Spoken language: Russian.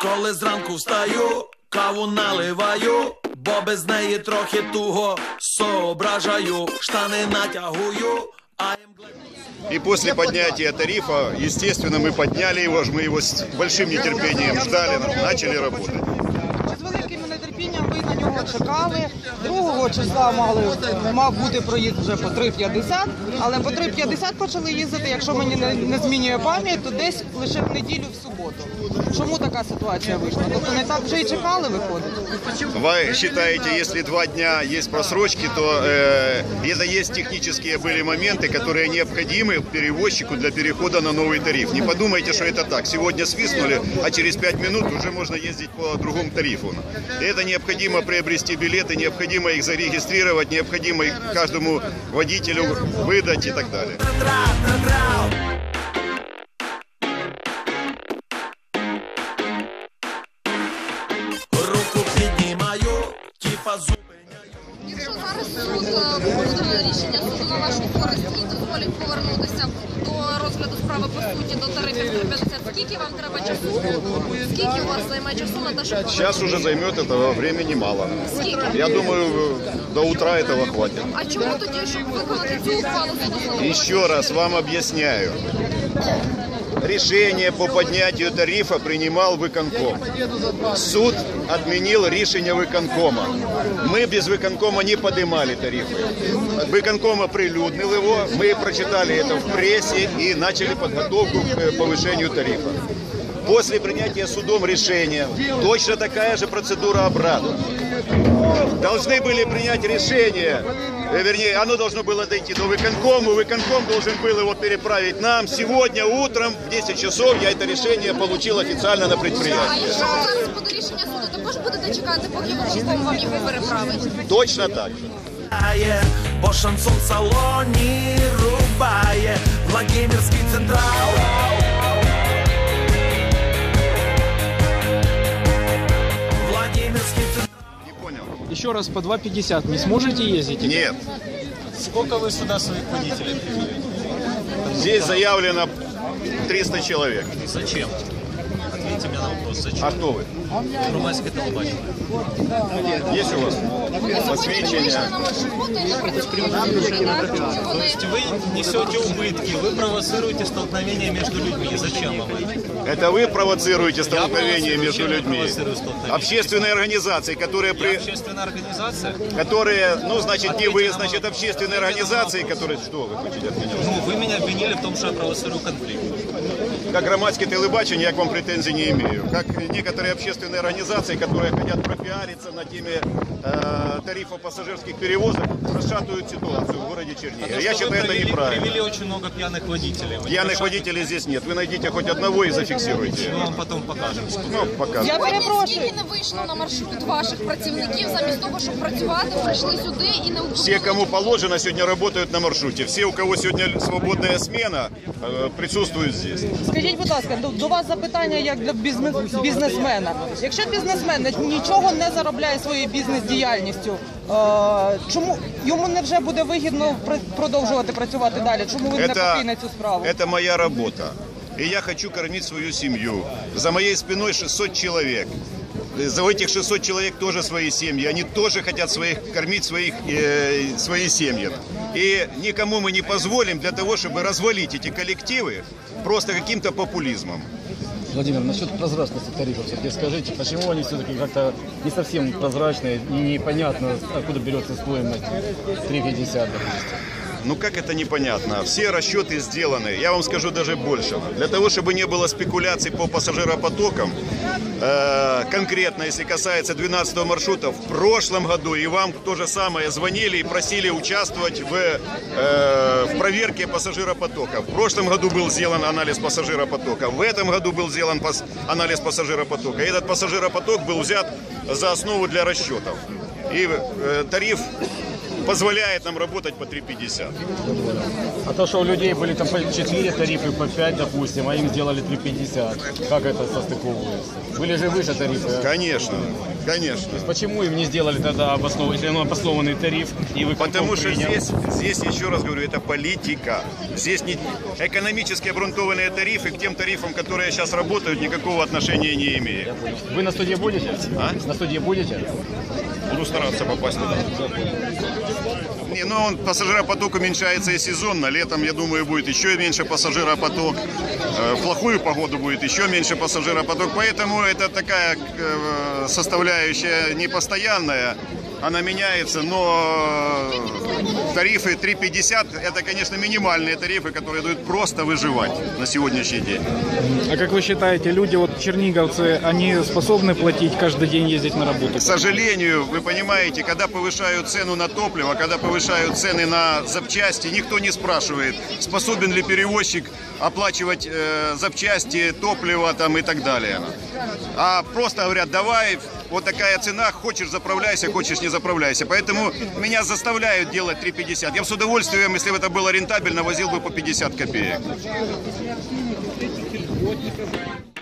Коли зранку встаю, каву наливаю, бо без неї трохи туго соображаю, штани натягую, И после поднятия тарифа, естественно, мы подняли его, мы его с большим нетерпением ждали, начали работать. З великим нетерпінням ви на нього чекали. 2 числа мав бути проїзд вже по 3,50, але по 3,50 почали їздити, якщо мені не змінює пам'ять, то десь лише в неділю, в суботу. Чому така ситуація вийшла? Тобто не так вже і чекали, виходить? Вы считаете, если 2 дня есть просрочки, то это есть технические были моменты, которые необходимы перевозчику для перехода на новый тариф. Не подумайте, что это так. Сегодня свистнули, а через 5 минут уже можно ездить по другому тарифу. Это необходимо приобрести билеты, необходимо их зарегистрировать, необходимо их каждому водителю выдать и так далее. Якщо зараз суд буде рішення суду на вашу користь і дозволить повернутися до розгляду справи по суті до тарифів 3,50, скільки вам треба часу? Скільки у вас займе часу на те, щоб повернутися? Сейчас уже займет этого времени мало. Скільки? Я думаю, до утра этого хватит. А чому тоді, щоб виконати цю ухвалу суду? Еще раз вам объясняю. Решение по поднятию тарифа принимал выконком. Суд отменил решение выконкома. Мы без выконкома не поднимали тарифы. Выконком оприлюднил его, мы прочитали это в прессе и начали подготовку к повышению тарифа. После принятия судом решения точно такая же процедура обратно. Должны были принять решение, вернее, оно должно было дойти до выконкома, выконком должен был его переправить нам. Сегодня утром в 10 часов я это решение получил официально на предприятии. А якщо зараз буде рішення суду, також будете чекати, поки виконком вам його переправить? Точно так же. по шансон в салоні рубає Владимирський централ. Еще раз по 2,50 не сможете ездить? Нет. Сколько вы сюда своих водителей привели? Здесь заявлено 300 человек. Зачем? Ответьте мне на вопрос. Зачем? А кто вы? Громадское телебачение. Есть у вас посвящение? То есть вы несете убытки, вы провоцируете столкновение между людьми. Зачем вам это? Это вы провоцируете столкновение между Зачем я людьми? провоцирую столкновение? Общественные организации, которые Я общественная организация? которые, ну, значит, не вы, Ответьте на значит, вопрос. общественные организации, которые... Что вы хотите от меня? Ну, вы меня обвинили в том, что я провоцирую конфликт. Как громадское телебачение я к вам претензий не имею. Как некоторые общественные организации, которые хотят пропиариться на теме тарифов пассажирских перевозок, расшатывают ситуацию в городе Чернигове. Я считаю, это неправильно. Привели очень много пьяных водителей. Вы не Пьяных расшатываете? водителей здесь нет. Вы найдите хоть одного и зафиксируйте. Мы вам потом покажем. Ну, пока. Я перепрошую. Скільки не вийшло на маршрут ваших працівників, замість того, щоб працювати, прийшли сюди і не Все, кому положено, сегодня работают на маршруте. Все, у кого сегодня свободная смена, присутствуют здесь. Скажіть, будь ласка, до вас запитання як для бізнесмена. Якщо бізнесмен нічого не заробляє своєю бізнес-діяльністю, чому йому не вже буде вигідно продовжувати працювати далі? Чому він не покине цю справу? Это моя работа. И я хочу кормить свою семью. За моей спиной 600 человек. За этих 600 человек тоже свои семьи. Они тоже хотят кормить свои семьи. И никому мы не позволим для того, чтобы развалить эти коллективы просто каким-то популизмом. Владимир, насчет прозрачности тарифов, все-таки скажите, почему они все-таки как-то не совсем прозрачные, непонятно, откуда берется стоимость 3,50, допустим? Ну как это непонятно? Все расчеты сделаны. Я вам скажу даже больше. Для того, чтобы не было спекуляций по пассажиропотокам, конкретно, если касается 12-го маршрута, в прошлом году и вам то же самое звонили и просили участвовать в проверке пассажиропотока. В прошлом году был сделан анализ пассажиропотока. В этом году был сделан анализ пассажиропотока. И этот пассажиропоток был взят за основу для расчетов. И тариф позволяет нам работать по 3,50. А то, что у людей были там по 4 тарифы, по 5, допустим, а им сделали 3,50. Как это состыковывается? Были же выше тарифы. Конечно, конечно. Почему им не сделали тогда обоснованный тариф? И вы Потому что здесь, еще раз говорю, это политика. Здесь не экономически обґрунтованные тарифы к тем тарифам, которые сейчас работают, никакого отношения не имеют. Вы на студии будете? А? На студии будете? Буду стараться попасть туда. Не, ну пассажиропоток уменьшается и сезонно. Летом, я думаю, будет еще меньше пассажиропоток. В плохую погоду будет еще меньше пассажиропоток. Поэтому это такая составляющая непостоянная. Она меняется, но тарифы 3,50 это, конечно, минимальные тарифы, которые дают просто выживать на сегодняшний день. А как вы считаете, люди, вот черниговцы, они способны платить каждый день, ездить на работу? К сожалению, вы понимаете, когда повышают цену на топливо, когда повышают цены на запчасти, никто не спрашивает, способен ли перевозчик оплачивать запчасти, топливо там и так далее. А просто говорят, давай, вот такая цена, хочешь заправляйся, хочешь не заправляйся. Поэтому меня заставляют делать 3,50. Я бы с удовольствием, если бы это было рентабельно, возил бы по 50 копеек.